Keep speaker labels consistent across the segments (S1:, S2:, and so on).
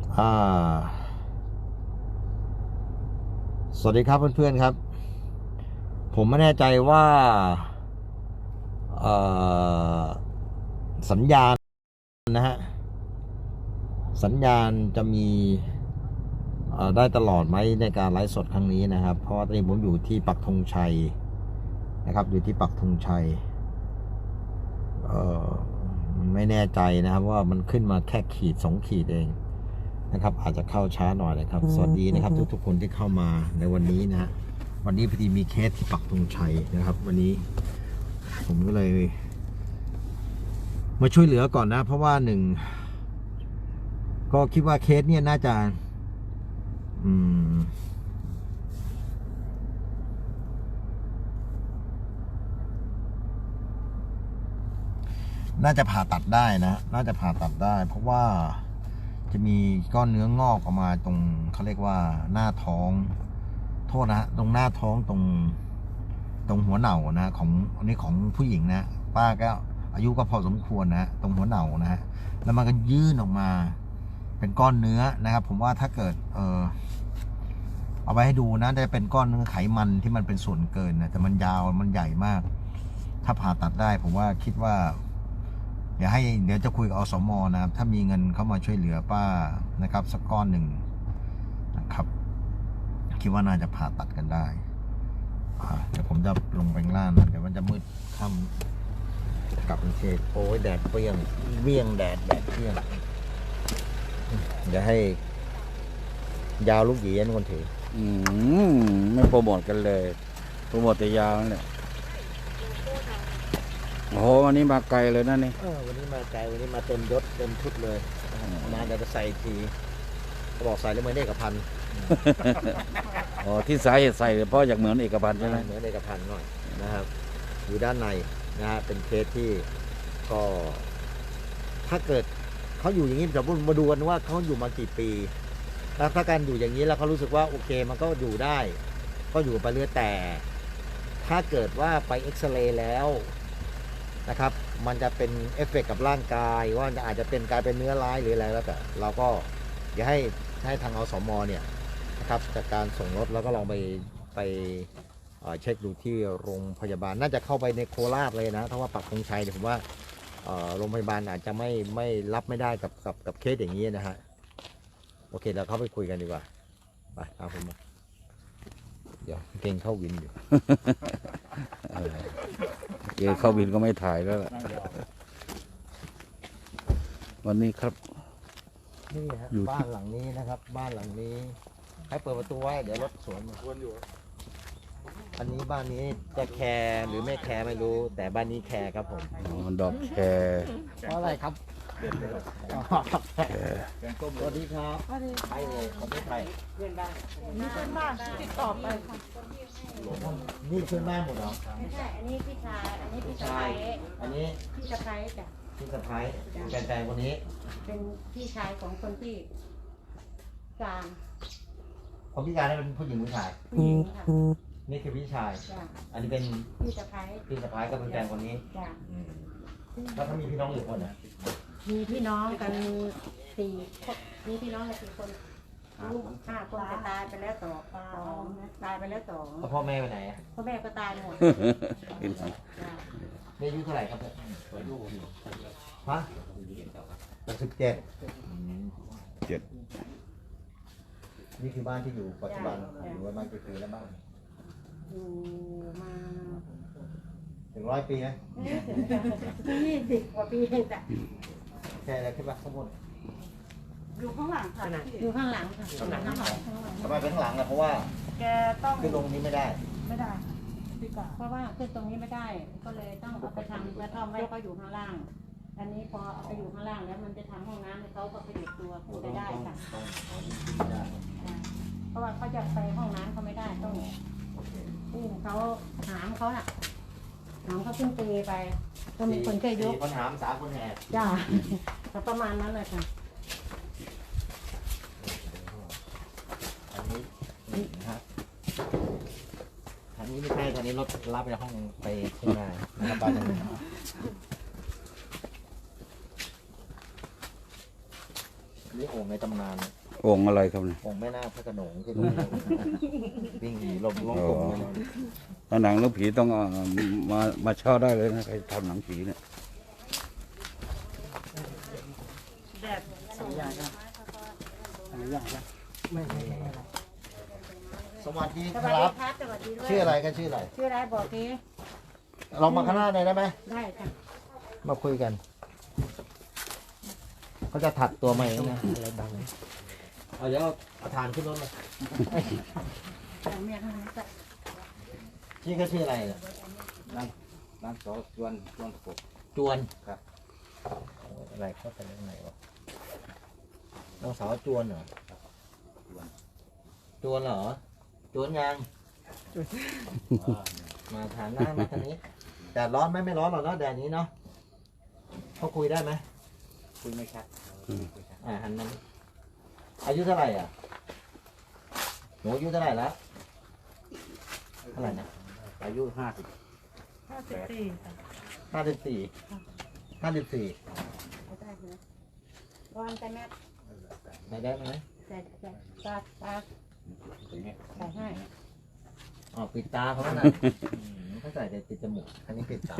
S1: อ่าสวัสดีครับเพื่อนๆครับผมไม่แน่ใจว่าเอ่อสัญญาณนะฮะสัญญาณจะมีได้ตลอดไหมในการไลฟ์สดครั้งนี้นะครับเพราะว่าตอนนี้ผมอยู่ที่ปักธงชัยนะครับอยู่ที่ปักธงชัยเอ่อไม่แน่ใจนะครับว่ามันขึ้นมาแค่ขีด2ขีดเองนะครับอาจจะเข้าช้าหน่อยนะครับสวัสดีนะครับทุกๆคนที่เข้ามาในวันนี้นะฮะวันนี้พอดีมีเคสที่ปักธงชัยนะครับวันนี้ผมก็เลยมาช่วยเหลือก่อนนะเพราะว่าหนึ่งก็คิดว่าเคสเนี่ยน่าจะน่าจะผ่าตัดได้นะน่าจะผ่าตัดได้เพราะว่าจะมีก้อนเนื้องอกออกมาตรงเขาเรียกว่าหน้าท้องโทษนะตรงหน้าท้องตรงหัวเหน่านะของอันนี้ของผู้หญิงนะป้าก็อายุก็พอสมควรนะตรงหัวเหน่านะฮะแล้วมันก็ยื่นออกมาเป็นก้อนเนื้อนะครับผมว่าถ้าเกิดเอาไปให้ดูนะได้เป็นก้อนเนื้อไขมันที่มันเป็นส่วนเกินนะแต่มันยาวมันใหญ่มากถ้าผ่าตัดได้ผมว่าคิดว่าเดี๋ยวจะคุยกับอสม.นะครับถ้ามีเงินเข้ามาช่วยเหลือป้านะครับสักก้อนหนึ่งนะครับคิดว่าน่าจะผ่าตัดกันได้เดี๋ยวผมจะลงไปข้างล่างนะเดี๋ยวมันจะมืดค่ำกลับกรุงเทพโอ้ยแดดเปรี้ยงเวี่ยงแดดเปรี้ยงเดี๋ยวให้ยาวลูกหยีเป็นคนถือ
S2: ไม่โปรโมทกันเลยโปรโมทแต่ยาวนั่นแหละโอ้โหวันนี้มาไกลเลยนะนี่
S1: วันนี้มาไกลวันนี้มาเต็มยศเต็มชุดเลยมาเดี๋ยวจะใส่ทีเขาบอกใส่แล้วเหมือนเอกพันธ์
S2: อ๋อที่สาเหตุใส่เพราะอยากเหมือนเอกพันธ์ใช่ไหม
S1: เหมือนเอกพันธ์หน่อยนะครับอยู่ด้านในนะฮะเป็นเคสที่ก็ถ้าเกิดเขาอยู่อย่างนี้จะมาดูกันว่าเขาอยู่มากี่ปีแล้วถ้าการอยู่อย่างนี้แล้วเขารู้สึกว่าโอเคมันก็อยู่ได้ก็อยู่ไปเรื่อยแต่ถ้าเกิดว่าไปเอ็กซเรย์แล้วนะครับมันจะเป็นเอฟเฟกต์กับร่างกายว่าอาจจะเป็นกลายเป็นเนื้อร้ายหรืออะไรแล้วแต่เราก็อยากให้ทางอสม.เนี่ยนะครับจากการส่งรถแล้วก็ลองไปเช็คดูที่โรงพยาบาลน่าจะเข้าไปในโคราชเลยนะถ้าว่าปักธงชัยเนี่ยผมว่าโรงพยาบาลอาจจะไม่รับไม่ได้กับเคสอย่างนี้นะฮะโอเคเราเข้าไปคุยกันดีกว่าไปตามผมมาเดี๋ยวเก่งเข้าวินอยู่
S2: เข้าบินก็ไม่ถ่ายแล้วล่ะวันนี้ครับ
S1: นี่ฮะบ้านหลังนี้นะครับบ้านหลังนี้ให้เปิดประตูไว้เดี๋ยวรถสวนมาอันนี้บ้านนี้จะแคร์หรือไม่แคร์ไม่รู้แต่บ้านนี้แคร์ครับผม
S2: ดอกแคร์
S1: เพราะอะไรครับสวัสดีครับใครเลยคนนี้ใคร
S3: เพื่อนบ้านติดต่อไปค่ะ
S1: นี่เพื่อนบ้านหมดเหรอ
S3: ไม่ใช่อันนี้พี่ชายอันนี้พี่สะใภ้
S1: อันนี้
S3: พี่สะใภ้จ้ะ
S1: พี่สะใภ้แฟนคนนี้
S3: เป็นพี่ชายของคนที่กลาง
S1: คนพิการนี่เป็นผู้หญิงผู้ชาย
S3: ผู้หญิงค่ะ
S1: นี่คือพี่ชายอันนี้เป็น
S3: พี่สะใภ้
S1: พี่สะใภ้ก็เป็นแฟนคนนี้
S3: จ้ะ
S1: แล้วเขามีพี่น้องอยู่คนนะ
S3: มีพี่น้องกันสี่มีพี่น้องกัน4 คนลูก5 คนแต่ตายไปแล้ว2ตายไปแล้ว2
S1: แล้วพ่อแม่ไปไหน
S3: พ่อแม่ก็ตายหมด
S1: แม่อายุเท่าไหร่ครับฮะ67นี่คือบ้านที่อยู่ปัจจุบันอยู่ประมาณกี่ปีแล้วบ้าง
S3: อยู่มา
S1: ถึง100 ปีไหม
S3: 20 กว่าปีจ้ะ
S1: แค่อะไรขึ้นมาข้างบน
S3: อยู่ข้างหลังค่ะอยู่ข้างหลังค่ะข้างหลัง
S1: ทำไมเป็นข้างหลังล่ะเพราะว่า
S3: แกต้อง
S1: ขึ้นลงนี้ไม่ได้
S3: เพราะว่าขึ้นตรงนี้ไม่ได้ก็เลยต้องเอาไปทำกระท่อมไว้เขาอยู่ข้างล่างอันนี้พอเอาไปอยู่ข้างล่างแล้วมันจะทำห้องน้ำให้เขาก็ไปเด็กตัวขึ้นไปได้ค่ะเพราะว่าเขาจะไปห้องน้ำเขาไม่ได้ต้องอุ้มเขาหามเขาน่ะหามเขาขึ้นตีไปก็มีคนเคยยก
S1: คนหาม3 คนแห่
S3: จ้าประมาณนั้นเลยค่ะ
S1: อันนี้นะครับอันนี้ไม่ใช่ตอนนี้รถรับไปห้องไปขึ้นมานะครับบ้านนี้โอ่งในตำนาน
S2: โอ่งอะไรครับเนี่ย
S1: องค์แม่นาคพระโขนงที่ตรงนี้วิ่งหนีลมล่องกลมไปเลย
S2: ถ้าหนังเรื่องผีต้องมาเช่าได้เลยนะใครทำหนังผีเนี่ย
S1: สวัสดี
S3: ส
S1: ค
S3: วัส
S1: รั
S3: ดี
S1: บ
S3: ครับสวัสดีด้วย
S1: ชื่ออะไรกันชื่ออะไร
S3: ชื่ออะไรบอกที
S1: เรามาข้างหน้าเลยได้ไหม
S3: ได้ค่ะ
S1: มาคุยกันเขาจะถัดตัวใหม่นะอะไรดังเอาเดี๋ยวเอาทานขึ้นรถเลย
S3: แต่เมียทำไมจะ
S1: ชื่อเขาชื่ออะไรเนี่ย
S2: ร้านซอจวนกบ
S1: จวน
S2: ครับ
S1: อะไรเข้าไปเรื่องไหนวะน้องสาวจวนเหรอจวนเหรอจวนยังมาถามหน้ามาทางนี้แดดร้อนไหมไม่ร้อนหรอกเนาะแดดนี้เนาะเขาคุยได้ไหม
S2: คุยไม่ชัด
S1: หันมันอายุเท่าไหร่อ่ะหนูอายุเท่าไหร่แล้วเท่าไหร่นะ
S2: อายุ50
S1: 54 54
S3: ได้ไหมวางใจแม่
S1: ไหนได้ไหม
S3: ใส่ตาใส่ให้
S1: อ๋อปิดตาเขาแล้วนะเขาใส่แต่ปิดจมูกอันนี้ปิดตา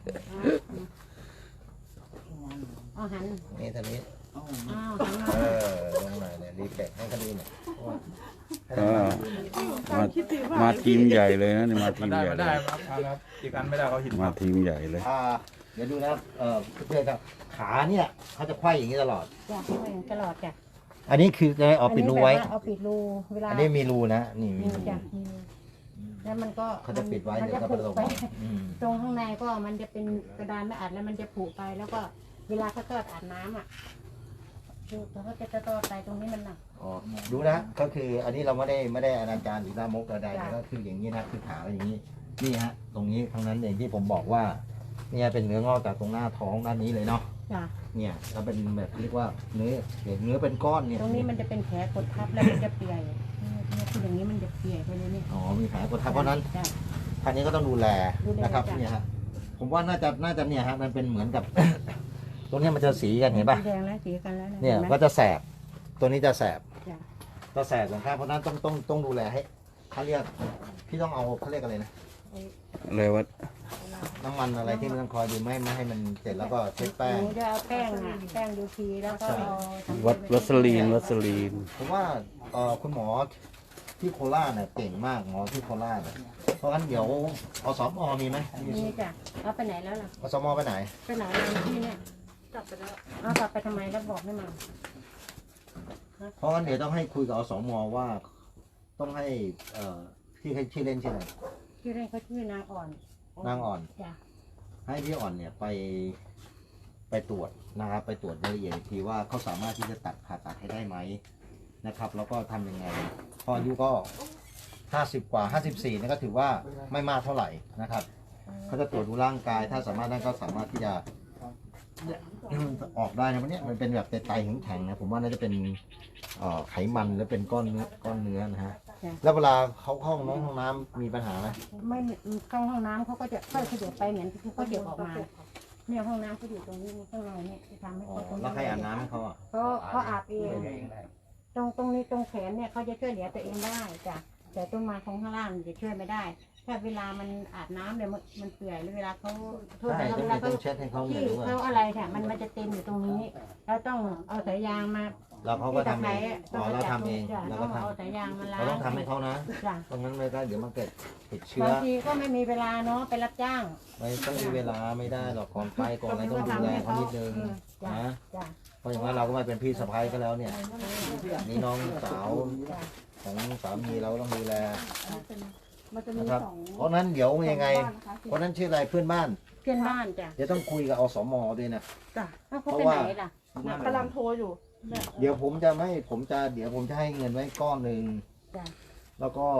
S3: เอาหัน
S1: นี่ทางนี้
S3: อ้าวหันมา
S1: ลงหน่อยเนี่ยรีเฟกให้เขาดูหน่อยเพราะว่าให้
S2: อ่า
S1: เขาดูหน่อย
S2: มาทีมใหญ่เลยนะนี่มาทีม
S4: ได้
S2: ใหญ่
S4: มา
S2: เล
S4: ได้
S2: ย
S4: ครับอีกอันไม่ได้เขาหิน
S2: มาทีมใหญ่เลย
S1: เดี๋ยวดูนะเพื่อนครับขาเนี่ยเขาจะไขว้อย่างนี้ตลอด
S3: จ้ะไม่อย่างตลอดจ้ะ
S1: อันนี้คือจะเอาปิดรูไว้
S3: เอาปิดรูเวลา
S1: อันนี้มีรูนะนี่มี
S3: มี
S1: รู
S3: จ้ะมีแล้วมันก็
S1: เขาจะปิดไว้
S3: มัน
S1: เดี๋ย
S3: จะ
S1: วก็
S3: ผุ
S1: ไปลง
S3: ไป
S1: อืม
S3: ตรงข้างในก็มันจะเป็นกระดานไม่อัดแล้วมันจะผุไป แล้วก็เวลาเขาทอดอาบน้ำอ่ะคือเขาจะทอดไปตรงนี้มันหนัก
S1: อ๋อดูนะก็คืออันนี้เราไม่ได้อนาจารหรือลามกใดๆ
S3: จ้ะ
S1: ก็คืออย่างนี้นะคือขาอย่างนี้นี่ฮะตรงนี้ทั้งนั้นเองที่ผมบอกว่าเนี่ยเป็นเนื้องอกจากตรงหน้าท้องด้านนี้เลยเนาะ
S3: จ้ะ
S1: เนี่ยเราเป็นแบบเรียกว่าเนื้อเป็นก้อนเนี่ย
S3: ตรงนี้มันจะเป็นแผลกดทับแล้วมันจะเปียกเนี่ยคืออย่างนี้มันจะเปียกไปเลยนี่
S1: อ๋อมีแผลกดทับเพราะฉะนั้น
S3: จ้ะ
S1: ท่านนี้ก็ต้องดูแล
S3: ดูแล
S1: นะครับ
S3: จ้ะ
S1: เนี่ยฮะผมว่าน่าจะเนี่ยฮะมันเป็นเหมือนกับ ตรงเนี้ยมันจะสีกันเห็นป่ะ
S3: สีแดงแล้วสีกันแล้วะ
S1: เนี่ย
S3: ห็ไหม
S1: ก็จะแสบตัวนี้จะแสบ
S3: จ้ะ
S1: จะแสบสองข้างเพราะฉะนั้นต้องดูแลให้เขาเรียกพี่ต้องเอาเขาเรียกอะไรนะ
S2: เลยว่า
S1: น้ำมันอะไรที่มันต้องคอยดูไม่ให้มันเสร็จแล้วก็เช็ดแป้ง
S3: หนูจะเอาแป้งอ่ะแป้งยูทีแล้วก็เอาทำ
S2: วัสลีน
S1: ผมว่าคุณหมอที่โคราชเนี่ยเก่งมากหมอที่โคราชเนี่ยเพราะงั้นเดี๋ยวอสมมีไหม
S3: นี่จ้ะเอาไปไหนแล้วล่ะ
S1: อสมไปไหน
S3: ไปไหนแล้วที่เนี่ยกลับไปแล้วเอากลับไปทำไมแล้วบอกไม่มา
S1: เพราะงั้นเดี๋ยวต้องให้คุยกับอสมว่าต้องให้ที่ให้ชื่อเล่นชื่ออะไร
S3: ชื่อเล่นเขาชื่อนางอ่อน
S1: นางอ่อน
S3: จ้ะ
S1: ให้พี่อ่อนเนี่ยไปตรวจนะครับไปตรวจรายละเอียดอีกทีว่าเขาสามารถที่จะผ่าตัดให้ได้ไหมนะครับ แล้วก็ทำยังไงพออายุก็50 กว่า 54นี่ก็ถือว่าไม่มากเท่าไหร่นะครับเขาจะตรวจดูร่างกาย ถ้าสามารถนั่นก็สามารถที่จะ ออกได้นะวันนี้มันเป็นแบบไตแข็งๆนะผมว่าน่าจะเป็นไขมันหรือเป็นก้อนเนื้อนะฮะแล้วเวลาเขาเข้าห้องน้ำมีปัญหาไหม
S3: ไม่เข้าห้องน้ำเขาก็จะค่อยขยับไปเหมือนที่เขาเดี๋ยวออกมาเนี่ยห้องน้ำเขาอยู่ตรงนี้ข้างในเนี่ยที่ทำให้
S1: อ๋อ
S3: เขาตรงนี้
S1: แล้วใครอาบน้ำให้เขาอ่ะ
S3: เขาอาบเองตรงนี้ตรงแขนเนี่ยเขาจะช่วยเหลือตัวเองได้จ้ะแต่ต้นไม้ของข้างล่างจะช่วยไม่ได้ ถ้าเวลามันอาบน้ำเนี่ยมันเปื่อยหรือเวลาเขาโทษ
S1: ใช่
S3: นะ
S1: ต้อง
S3: เวลาเขา
S1: เช็ดให้เขาเหมื
S3: ที่
S1: อนว่า
S3: เขาอะไรค่ะมันจะเต็มอยู่ตรงนี้เราต้องเอาสายยางมา
S1: แล้วเขาก็ทำเอง
S3: ต้
S1: อ๋อเราทำเอง
S3: จ้ะ
S1: แล้ว
S3: ต้
S1: ก็
S3: อง
S1: ท
S3: เอาสายยางมาล้าง
S1: เราต้องทำให้เขานะ
S3: จ้ะ
S1: ตรงนั้นไม่ได้เดี๋ยวมันเกิดติดเชื้อบ
S3: างทีก็ไม่มีเวลาเนาะไปรับจ้าง
S1: ไม่ต้องมีเวลาไม่ได้หรอกก่อนไปก่อนอะไรต้องดูแลเขานิดนึง
S3: จ้ะ
S1: นะ
S3: จ้ะ
S1: เพราะอย่างนั้นเราก็ไม่เป็นพี่สะพ้ายก็แล้วเนี่ยนี่น้องสาว
S3: จ้ะ
S1: ของสามีเราต้องดูแล
S5: มันจะมี
S1: นะครับ
S5: สอง
S1: เพราะนั้นเดี๋ยวยังไง
S5: บ้านนะคะ
S1: คนนั้นชื่ออะไรเพื่อนบ้าน
S3: เพื่อนบ้านจ้ะ
S1: เดี๋ยวต้องคุยกับอสมด้วยนะ
S5: จ้ะ
S3: อ้าวเขาไปไหนล่ะ
S5: กำลังโทรอยู่
S1: เดี๋ยวผมจะให้เงินไว้ก้อนหนึ่ง
S3: จ้ะ
S1: แล้วก็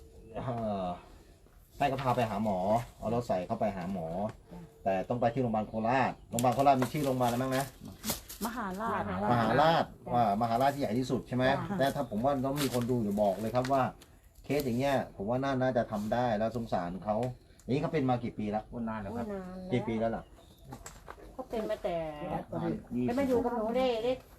S1: ให้เขาพาไปหาหมอเอาเราใส่เข้าไปหาหมอ แต่ต้องไปที่โรงพยาบาลโคราชโรงพยาบาลโคราชมีชื่อโรงพยาบาลอะไรบ้างนะ
S5: มหาราช
S1: มหาราชมหาราชที่ใหญ่ที่สุดใช่ไหมแต่ถ้าผมว่าต้องมีคนดูอยู่บอกเลยครับว่า เคสอย่างเงี้ยผมว่าน่าจะทำได้แล้วสงสารเขาอย่างนี้เขาเป็นมากี่ปีแล้ว
S2: นานแล้วครับ
S3: นานแล้ว
S1: กี่ปีแล้วล่ะ
S3: เขาเป็นมาแต่ไปมาอยู่กับหนูได้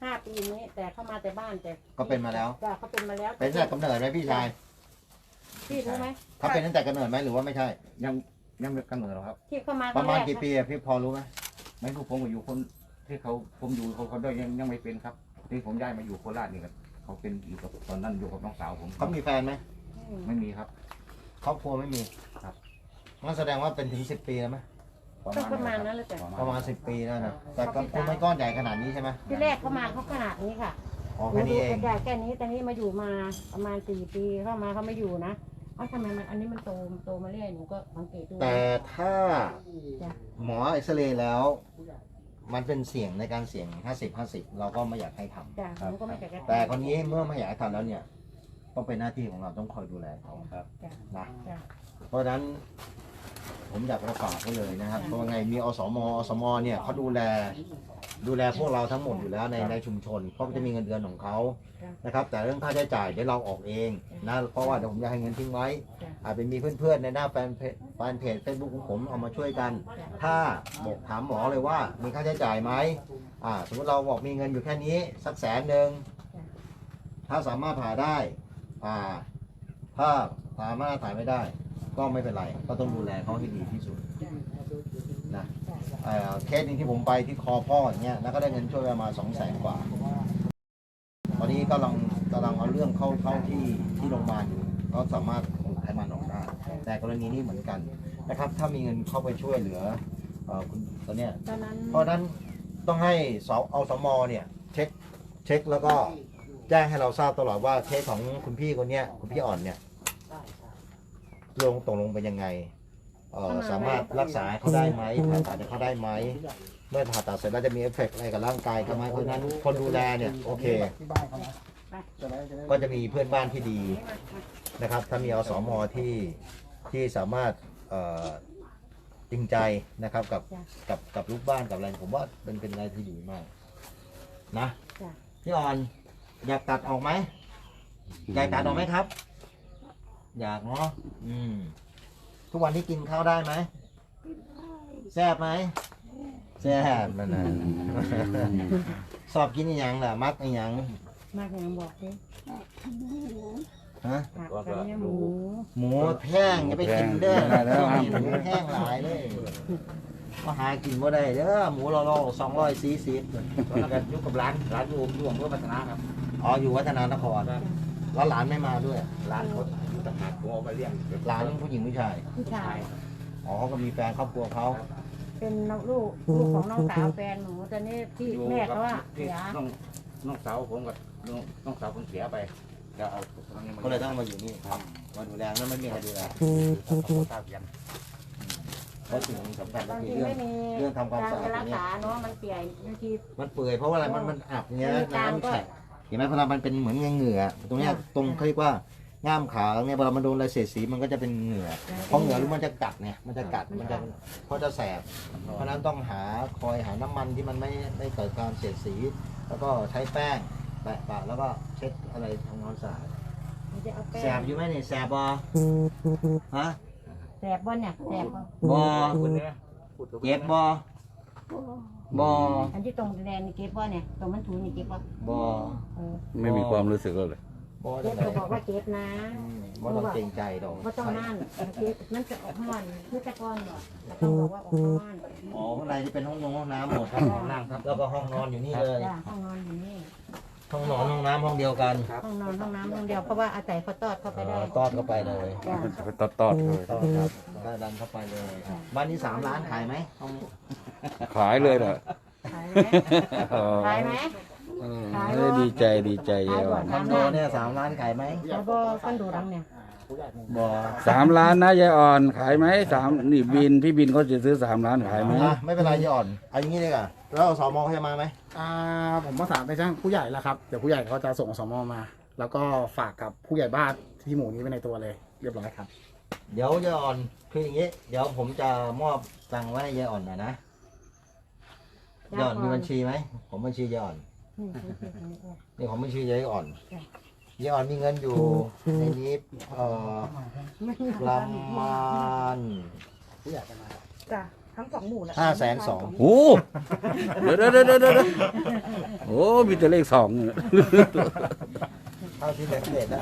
S3: 5 ปีนี้ แต่เข้ามาแต่บ้านแต่
S1: ก็เป็นมาแล้ว
S3: จ้ะเขาเป็นมาแล้ว
S1: เป็นตั้งแต่กำเนิดไหมพี่ชาย
S3: พี่รู้ไหม
S1: เขาเป็นตั้งแต่กำเนิดไหมหรือว่าไม่ใช่
S2: ยังไม่กำเนิดหรอกครับ
S3: ที่เข้ามา
S1: ประมาณ
S3: คงแก
S1: กี่ปีอะพี่พอรู้ไหม
S2: ไม่รู้ผมก็อยู่คนที่ผมอยู่เขาด้วยยังไม่เป็นครับที่ผมย้ายมาอยู่โคราชนี่ก็เขาเป็นอยู่กับตอนนั้นอยู่กับน้องสาวผม
S1: เขามีแฟนไหม
S2: ไม่มีครับ
S1: ครอบครัวไม่มี
S2: ครับ
S1: งั้นแสดงว่าเป็นถึง10 ปีแล้วไหม
S3: ประมาณนั้นเลยจ้ะ
S1: ประมาณ10 ปีแล้วนะแต่ก็คงไม่ก้อนใหญ่ขนาดนี้ใช่ไหม
S3: ที่แรกเข้ามาเขาขนาดนี้ค่ะ
S1: อ๋อแค่นี้เอง
S3: แค่นี้แต่นี้มาอยู่มาประมาณ4 ปีเข้ามาเขาไม่อยู่นะเอ้าทำไมมันอันนี้มันโตมาเรื่อยหนูก็สังเกตดู
S1: แต่ถ้า
S3: จ้ะ
S1: หมอเอ็กซเรย์แล้ว มันเป็นเสี่ยงในการเสี่ยง 50-50 เราก็ไม่อยากให้ทำ
S3: จ้ะหนูก็ไม่อยากจะ
S1: แต่คนนี้เมื่อไม่อยากให้ทำแล้วเนี่ยต้องเป็นหน้าที่ของเราต้องคอยดูแลเขา
S2: ครับ
S3: จ้ะ
S1: นะ
S3: จ้ะ
S1: เพราะฉะนั้นผมอยากจะฝากไว้เลยนะครับเพราะว่าไงมีอสมเนี่ยเขาดูแลพวกเราทั้งหมดอยู่แล้วในชุมชนเพราะจะมีเงินเดือนของเขานะครับแต่เรื่องค่าใช้จ่ายเดี๋ยวเราออกเองนะเพราะว่าเดี๋ยวผมจะให้เงินทิ้งไว้อาจจะมีเพื่อนๆในหน้าแฟนเพจเฟซบุ๊กของผมเอามาช่วยกัน ถ้าบอกถามหมอเลยว่ามีค่าใช้จ่ายไหมสมมติเราบอกมีเงินอยู่แค่นี้สัก100,000ถ้าสามารถผ่าได้ถ้าสามารถถ่ายไม่ได้ ก็ไม่เป็นไรก็ต้องดูแลเขาให้ดีที่สุดนะเคสหนึงที่ผมไปที่คอพ่ออย่างเงี้ยแล้วก็ได้เงินช่วยประมาณ200,000 กว่า ตอนนี้กำลังเอาเรื่องเข้าที่โรงพยาบาลอยู่ก็สามารถขูดไขมันออกได้แต่กรณีนี้เหมือนกันนะครับ ถ้ามีเงินเข้าไปช่วยเหลือคุณตอนเนี้ย
S3: ตอนนั้น
S1: เพราะฉะนั้นต้องให้อสมเนี่ยเช็คแล้วก็แจ้งให้เราทราบตลอดว่าเคสของคุณพี่คนเนี้ยคุณพี่อ่อนเนี่ยตกลงเป็นยังไงสามารถรักษาเขาได้ไหมผ่าตัดเขาได้ไหมเมื่อผ่าตัดเสร็จแล้วจะมีเอฟเฟกต์อะไรกับร่างกายเขาไหมเพราะฉะนั้นคนดูแลเนี่ยโอเค ก็จะมีเพื่อนบ้านที่ดีนะครับ ถ้ามีอสมที่สามารถจริงใจนะครับกับลูกบ้านกับอะไรผมว่าเป็นอะไรที่ดีมากนะพี่อ่อนอยากตัดออกไหมอยากตัดออกไหมครับ อยากเนาะทุกวันที่กินข้าวได้ไหมแซ่บไหมแซ่บนั่นนะ สอบกินอีหยังล่ะมักอีหยัง
S3: มากยังบอกดิ
S1: ฮะ
S3: ผักกับเนี่ยหมู
S1: หมูแห้งอย่าไปกินเด้อหมูแห้งหลายเลยมาหากินบ่ได้เด้อหมูเรา240แล้วก็อยู่กับร้านอยู่อำเภอพัฒนาครับอ๋ออยู่วัฒนานครแล้วหลานไม่มาด้วยหลานเขาอยู่ต่างหากผมเอาไปเลี้ยงหลานผู้หญิงผู้ชาย
S3: ผู้ชาย
S1: อ๋อเขาก็มีแฟนครอบครัวเขา
S3: เป็นลูกของน้องสาวแฟนหนูตอนนี้ที่แม่เขาว่าเสีย
S2: น้องสาวผมกับน้องสาวผมเสียไปจะเอา
S1: ก็เลยต้องมาอยู่นี่ครับมาดูแลแล้วไม่มีใครดูแล
S2: ตาเพียน
S1: เพราะสิ่งสำคัญก็
S3: บาง
S1: คือ
S3: ที
S1: เรื่อง
S3: ไม่มี
S1: เรื่องทำความสะอาด
S3: รั
S1: อก ย่างเงี้ย
S3: ษาเนาะมันเปียกบางที
S1: มันเปื่อยเพราะว่าอะไรมันอับเงี้ย
S3: มีการ
S1: น้ำ
S3: ก็
S1: แข็งเห็นไหมพอมันเป็นเหมือนเหงื่อตรงเนี้ยตรงเขาเรียกว่าง่ามขาเนี่ยพอมันโดนอะไรเสียดสีมันก็จะเป็นเหงื่อพอเหงื่อรู้มันจะกัดเนี่ยมันจะกัดมันจะเพราะจะแสบเพราะนั้นต้องคอยหาน้ำมันที่มันไม่เกิดการเสียดสี แล้วก็ใช้แป้งแปะแล้วก็เช็ดอะไรทำความสะอาด
S3: มันจะเอาแป้
S1: แสบ
S3: ง
S1: อยู่ไหมเนี่ยแสบบอฮะ
S3: แสบบ่เนี่ยแสบบ่
S1: บอเก็บบอบอ
S3: อันที่ตรงแดงนี่เก็บบ่เนี่ยตรงมันถูนี่เก็บบ่
S1: บอ
S3: เออ
S2: ไม่มีความรู้สึกเลย
S1: บอ
S3: เก็
S1: จั
S3: บ
S1: งไหน
S3: เขาบอกว่าเก็บนะ
S1: บอต้องเกรงใจดอก
S3: ว่าต้องนั่นเก็บมันจะออกห้อนคือแต่ก่อนบ่แต่ต้องบอกว่าออกห้อน
S1: อ๋อข้างในที่เป็นห้องน้ำหมดครับห้องน้ำครับแล้วก็ห้องนอนอยู่นี่เลย
S3: จ้ะห้องนอนอยู่นี่
S1: ห้องนอนห้องน้ำห้องเดียวกัน
S3: ห้องนอนห้องน้ำห้องเดียวเพราะว่าอาศัยเขาตอดเข้าไปได้
S1: ตอดเข้าไปเลย
S3: จ้ะ
S2: มันจะไปตอดเลย
S1: ตอดครับได้ดันเข้าไปเลย บ้านนี้3 ล้านขายไหมห้องนี้
S2: ขายเลยเหรอ
S3: ขายไหมขายไหม
S2: ดีใจเยอะ
S1: คอนโดเนี่ย3 ล้านขายไหม
S3: แล้วก็คอนโดรังเนี่ย
S1: บ่
S2: 3 ล้านนะยายอ่อนขายไหมนี่พี่บินเขาจะซื้อ3 ล้านขายไหม
S1: ไม่เป็นไรยี่อ่อนเอาอย่างนี้เลยก่ะแล้วสมเขาจะมาไหม
S6: ผมประสานไปจ้างผู้ใหญ่แล้วครับเดี๋ยวผู้ใหญ่เขาจะส่งอสมมา แล้วก็ฝากกับผู้ใหญ่บ้านที่หมู่นี้ไว้ในตัวเลยเรียบร้อยครับ
S1: เดี๋ยวยายอ่อนคืออย่างนี้ เดี๋ยวผมจะมอบตังค์ไว้ให้ยายอ่อนหน่อยนะยายอ่อนมีบัญชีไหมผมบัญชียายอ่อนนี่ผมบัญชียายอ่อนยายอ่อนมีเงินอยู่ในนี้ประมาณ
S5: จ้ะทั้ง2 หมู่แหละ
S1: 520,000
S7: โอ้เดี๋ยวโอ้มีแต่เลข2เนี่ย
S1: เท่าที่สังเกตได้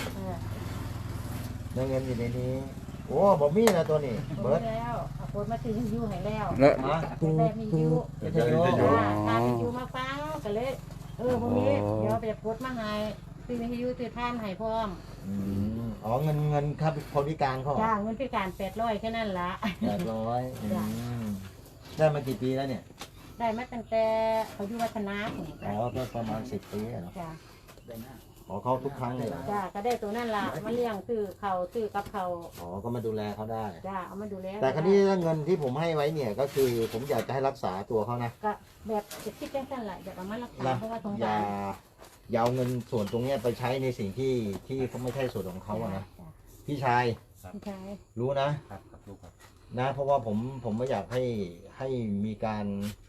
S1: เงินอยู่ในนี้ โอ้บ่มีนะตัวนี้
S3: เบิ
S1: เบิ
S3: ร์
S1: ร์
S3: ด
S1: ด
S3: แล้วเอาคนมาซื้อยูให้แล้ว
S7: แล้ว
S1: ฮะ
S3: แต่มียู
S1: วิทยุ
S3: ตามียูมาฟังก็เลยพวกนี้เดี๋ยวไปโพสต์มาให้ซื้อวิทยุซื้อท่านให้พร้อม
S1: อ๋อเงินครับคนพิการเขาเหรอ
S3: จ้างเงินพิการ800แค่นั้นละ
S1: 800
S3: จ้ะ
S1: ได้มากี่ปีแล้วเนี่ย
S3: ได้มาตั้งแต่เขาอยู่วัฒนาผม
S1: อ๋อก็ประมาณ10 ปีอะเนาะ
S3: จ้า
S1: ขอเขาทุกครั้งเลยเหรอ
S3: จ้าก็ได้ตัวนั่นละมาเลี้ยงซื้อเขาซื้อกับเขา
S1: อ๋อก็มาดูแลเขาได้
S3: จ้าเอามาดูแล
S1: แต่ครั้นี้เงินที่ผมให้ไว้เนี่ยก็คือผมอยากจะให้รักษาตัวเขานะ
S3: ก็แบบจะคิดแค่นั้นแหละอยากเอามารักษา
S1: นะ
S3: เพราะว่าสง
S1: อย่า
S3: สาร
S1: อย่าเอาเงินส่วนตรงเนี้ยไปใช้ในสิ่งที่เขาไม่ใช่ส่วนของเขาอะนะ
S3: จ้ะ
S1: พี่ชาย
S3: พี่ชาย
S1: รู้นะ
S2: ครับครับลูกครับ
S1: นะเพราะว่าผมไม่อยากให้มีการ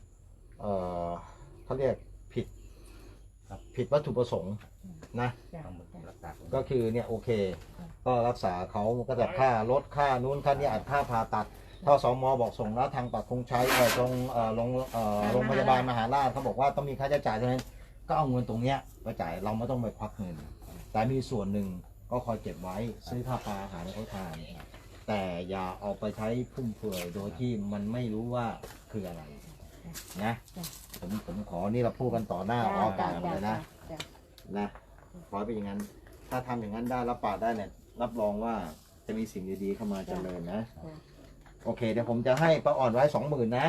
S1: เขาเรียกผิดวัตถุประสงค์นะ
S3: จ้ะ
S2: ต้องรักษาผม
S1: ก็คือเนี่ยโอเค ก็รักษาเขาก็จะค่ารถค่านู้นค่านี้อัดค่าผ่าตัดถ้าสมบอกส่งแล้วทางปักคงใช้โรงพยาบาลมหาราชเขาบอกว่าต้องมีค่าใช้จ่ายเท่านั้นก็เอาเงินตรงเนี้ยไปจ่ายเราไม่ต้องไปควักเงิน แต่มีส่วนหนึ่งก็คอยเก็บไว้ซื้อข้าวปลาอาหารให้เขาทานแต่อย่าเอาไปใช้ฟุ่มเฟือยโดยที่มันไม่รู้ว่าคืออะไรนะผมขอนี่เราพูดกันต่อหน้าออกอากาศเลยนะ
S3: จ้ะ
S1: นะขอให้เป็นอย่างนั้น ถ้าทำอย่างนั้นได้รับปากได้เนี่ยรับรองว่าจะมีสิ่งดีๆเข้ามาเจริญนะ โอเคเดี๋ยวผมจะให้ป้าอ่อนไว้ 20,000นะ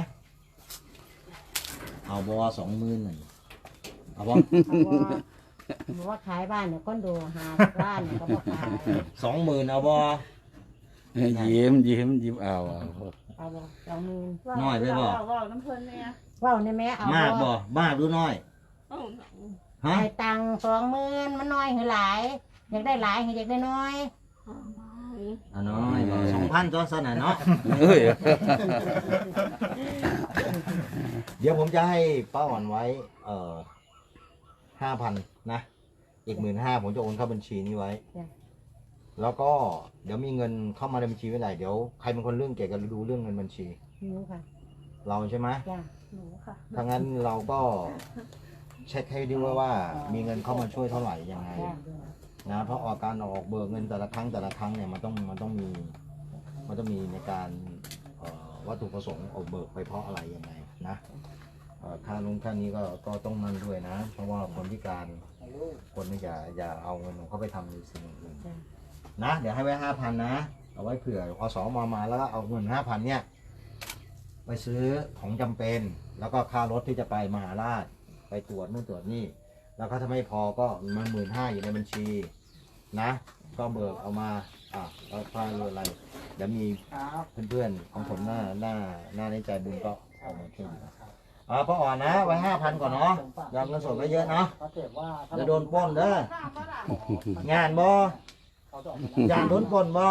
S1: เอาบอ20,000หน่อยเอาบอ
S3: หนูว่าขายบ้านเนี่ยก้อนดูหาบ้านเนี่ยก็บอกขาย
S1: 20,000เอาบอ
S7: ยิ้มเอา
S3: เอาบ่20,000
S1: น้อยไปบ่
S5: ว่าน้ำเพลินเนี่ย
S3: ว้าวในแม่เอา
S1: มาก
S3: บ่
S1: บ่มากหรือน้อยฮะ
S3: ให้ตังค์20,000มันน้อยหรือหลาย อยากได้หลายอยากได้น้อย
S1: อ่ะน้อยบ่2,000ตัวสนะเนาะ
S7: เฮ้ย
S1: เดี๋ยวผมจะให้ป้าอ่อนไว้5,000นะอีก15,000ผมจะโอนเข้าบัญชีนี้ไว้ แล้วก็เดี๋ยวมีเงินเข้ามาในบัญชีเมื่อไหร่เดี๋ยวใครเป็นคนเรื่องเกี่ยวกับดูเรื่องเงินบัญชี
S3: หนูค่ะ
S1: เราใช่ไหม
S3: จ้ะ
S5: หนูค่ะ
S1: ถ้างั้นเราก็เช็คให้ดูว่ามีเงินเข้ามาช่วยเท่าไหร่ยังไง
S3: จ้ะ
S1: นะเพราะการออกเบิกเงินแต่ละครั้งเนี่ยมันต้องมีในการวัตถุประสงค์ออกเบิกไปเพราะอะไรยังไงนะค่าลงค่านี้ก็ต้องนั่นด้วยนะ เพราะว่าคนพิการคนนี่อย่าเอาเงินของเขาไปทำในสิ่งอื่นนะเดี๋ยวให้ไว้5,000นะเอาไว้เผื่ออสมาแล้วก็เอาเงิน5,000เนี่ยไปซื้อของจำเป็น แล้วก็ค่ารถที่จะไปมหาราชไปตรวจนู่นตรวจนี่แล้วก็ถ้าไม่พอก็มัน15,000อยู่ในบัญชีนะก็เบิกเอามาแล้วค่าเรืออะไรเดี๋ยวมีเพื่อนๆของผมหน้าในใจบุญก็เอามาช่วยดูป้าอ่อนนะไว้5,000ก่อนเนาะยอมเงินสดไม่เยอะเนาะจะโดนปล้นเด้องานบ่ยานโดนปล้นบ่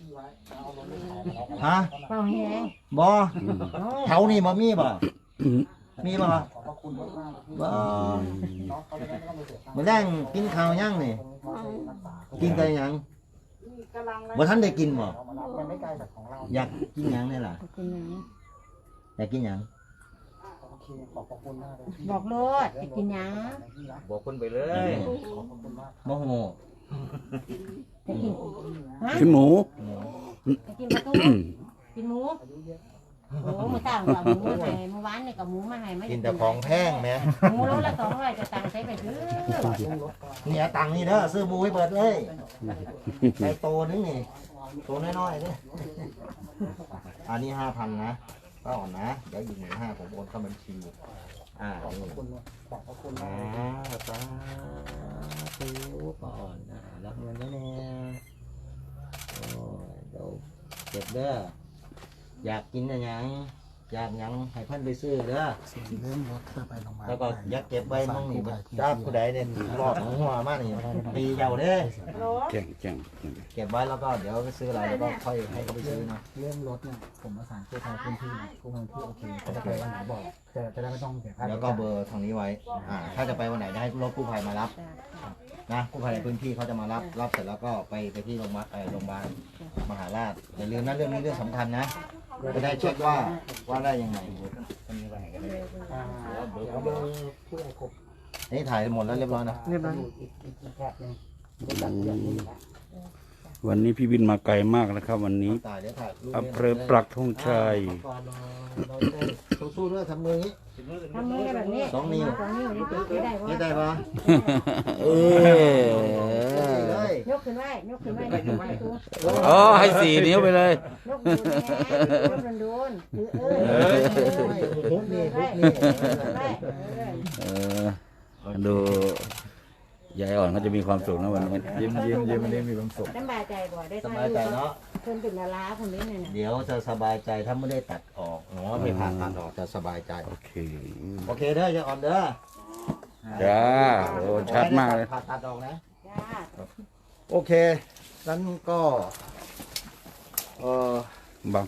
S1: ฮะ
S3: เป้าแห้ง
S1: บ่แถวนี้บ่มีบ่มีบ่บ่มื้อแรงกินข้าวยังนี่กินกันยังบ่ทันได้กินบ่อยากกินหยังนี่ล่ะ
S3: กินหยัง
S1: อยากกินหยัง
S3: บอกโลดจะกินหยัง
S2: บอกคนไปเลย
S1: โมโห
S3: จะกินฮะ
S7: กินหมู
S3: จะกินปลาทูกินหมูโอ้มื้อต่างกับหมูมาให้เมื่อวานนี่กับหมูมาให้
S1: กินแต่ของแพงแหม
S3: หมูโลละ200จะตังค์ใช้ไปซื้อ
S1: เนี่ยตังค์นี่เด้อซื้อหมูให้เบิดเลยไก่โตนึงนี่โตน้อยๆเด้ออันนี้5,000นะก็อ่อนนะเดี๋ยวอีก15,000ผมโอนเข้าบัญชีนี่สาธุป้าอ่อนรับเงินแล้วเนี่ยโอ้ยเดี๋ยวเก็บเด้ออยากกินอะไรยังอยากหยังให้เพิ่นไปซื้อเด้อแล้วก็อยากเก็บไว้มั่งนี่จ้าผู้ใดเนี่ยรอดหัวมากนี่ปีเยาเด้อ
S7: แจ้ง
S1: เก็บไว้แล้วก็เดี๋ยวไปซื้ออะไรแล้วก็ค่อยให้เขาไปซื้อนะ
S6: เรื่องรถเนี่ยผมประสานกู้ภัยพื้นที่กู้ภัยที่โอเคเขาจะไปวันไหนบอกจะได้ไม่ต้องเสียค่า
S1: แล้วก็เบอร์ทางนี้ไว้ถ้าจะไปวันไหนจะให้รถกู้ภัยมารับนะกู้ภัยในพื้นที่เขาจะมารับเสร็จแล้วก็ไปที่โรงพยาบาลมหาราชอย่าลืมนะเรื่องนี้เรื่องสำคัญนะจะได้เช็คว่าได้ยังไง
S2: คนนี้ไปไหนกันเลย
S6: เดี๋ยวเบอร์ผู้ใหญ่ครบ
S1: นี่ถ่ายหมดแล้วเรียบร้อยนะ
S6: เรียบร้อยอีกแถบหนึงจัดเรียบร้อยแล้ว
S7: วันนี้พี่บินมาไกลมากนะครับ วันนี้
S1: ถ่ายเดี๋ยวถ่ายรูป
S7: อำเภอปักธงชัย
S1: เราจะได้สู้ๆด้วยทำมืออย่างนี้
S3: ทำมือแบบนี้
S1: สองนิ้ว
S3: สองนิ้วนี่ถือได้
S1: นี่
S3: ว่า
S1: ได้ปะ
S7: เออ
S1: เลย
S3: ยกขึ้นไว้ยกขึ้นไว้ยกขึ้นไว้ตัว
S7: อ๋อให้4 นิ้วไปเลย
S3: ยกดูนะยกโดนๆถือ
S1: ทุบนี่ทุบ
S3: ไว้
S1: นี่
S3: ไว้
S7: เออดูยายอ่อนเขาจะมีความสุขนะวันนี้
S4: ยิ้มวันนี้มีความสุข
S3: สบายใจบ่ได้
S1: สบายใจเนาะ
S3: คนเป็นดาราคนนี้เนี่ย
S1: เดี๋ยวจะสบายใจถ้าไม่ได้ตัดออกเนาะไปผ่าตัดออกจะสบายใจ
S7: โอเค
S1: โอเคเด้อจะอ่อนเด้อ
S7: จ้าโอ้ชัดมากเลย
S1: ผ่าตัดออกนะ
S3: จ้า
S1: โอเคนั้นก็เออบ
S7: าง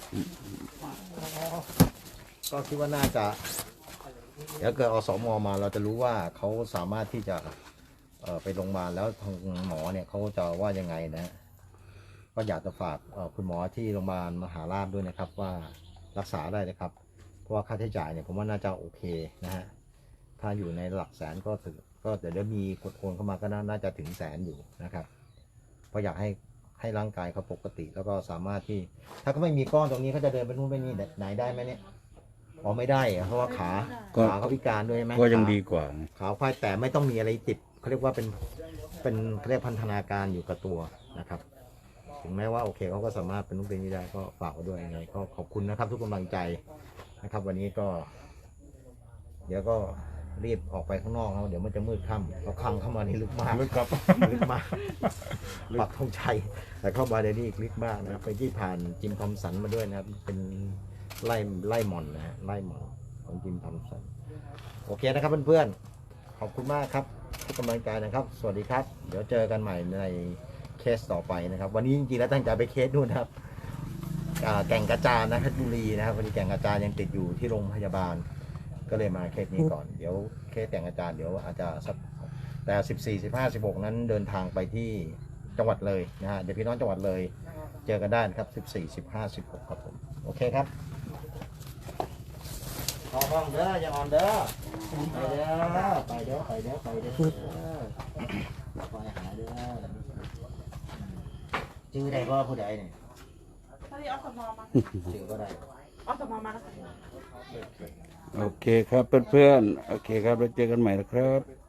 S1: ก็คิดว่าน่าจะ เดี๋ยวเกิดอสมมาเราจะรู้ว่าเขาสามารถที่จะไปโรงพยาบาลแล้วทางหมอเนี่ยเขาจะว่ายังไงนะ ก็อยากจะฝากคุณหมอที่โรงพยาบาลมหาราชด้วยนะครับ ว่ารักษาได้นะครับ เพราะว่าค่าใช้จ่ายเนี่ยผมว่าน่าจะโอเคนะฮะถ้าอยู่ในหลักแสนก็ถึงก็เดี๋ยวมีกดโอนเข้ามาก็น่าจะถึงแสนอยู่นะครับเพราะอยากให้ร่างกายเขาปกติ แล้วก็สามารถที่ถ้าเขาไม่มีก้อนตรงนี้เขาจะเดินไปนู่นไปนี่ไหนได้ไหมเนี่ยอ๋อไม่ได้อะเพราะว่าขาเขาพิการด้วยใช่ไหม
S7: ก็ยังดีกว่า
S1: ขาควายแต่ไม่ต้องมีอะไรติดเขาเรียกว่าเป็นเขาเรียกพันธนาการอยู่กับตัวนะครับ ถึงแม้ว่าโอเคเขาก็สามารถเป็นนู่นเป็นนี่ได้ก็ฝากไว้ด้วยยังไงก็ขอบคุณนะครับ ทุกกำลังใจนะครับ วันนี้ก็ เดี๋ยวก็รีบออกไปข้างนอกแล้วเดี๋ยวมันจะมืดค่ำเราคังเข้ามาในลึกมาก
S4: ลึกครับ
S1: ลึกมากปักธงชัยแต่เข้ามาในนี้ลึกมากนะครับไปที่ผ่านจิมทอมสันมาด้วยนะครับเป็นไล่หม่อนนะฮะไล่หม่อนของจิมทอมสันโอเคนะครับเพื่อนๆขอบคุณมากครับทุกกำลังใจนะครับ สวัสดีครับ เดี๋ยวเจอกันใหม่ในเคสต่อไปนะครับ วันนี้จริงๆแล้วตั้งใจไปเคสนู่นนะครับแก่งกระจานนะเพชรบุรีนะครับวันนี้แก่งกระจานยังติดอยู่ที่โรงพยาบาล ก็เลยมาเคสนี้ก่อนเดี๋ยวเคสแต่งอาจารย์เดี๋ยวอาจจะสักแต่14 15 16นั้นเดินทางไปที่จังหวัดเลยนะฮะเดี๋ยวพี่น้องจังหวัดเลยเจอกันได้นะครับ14 15 16ครับผมโอเคครับขอห้องเด้ออย่าอ่อนเด้อไปเด้อไปหาเด้อชื่อใดก็ผู้ใดเนี่ย
S5: ถ้าที่อสมมา
S1: ชื่อก็ได้
S5: อสมมาแล้วค่ะ
S7: โอเคครับเพื่อนๆโอเคครับแล้วเจอกันใหม่นะครับ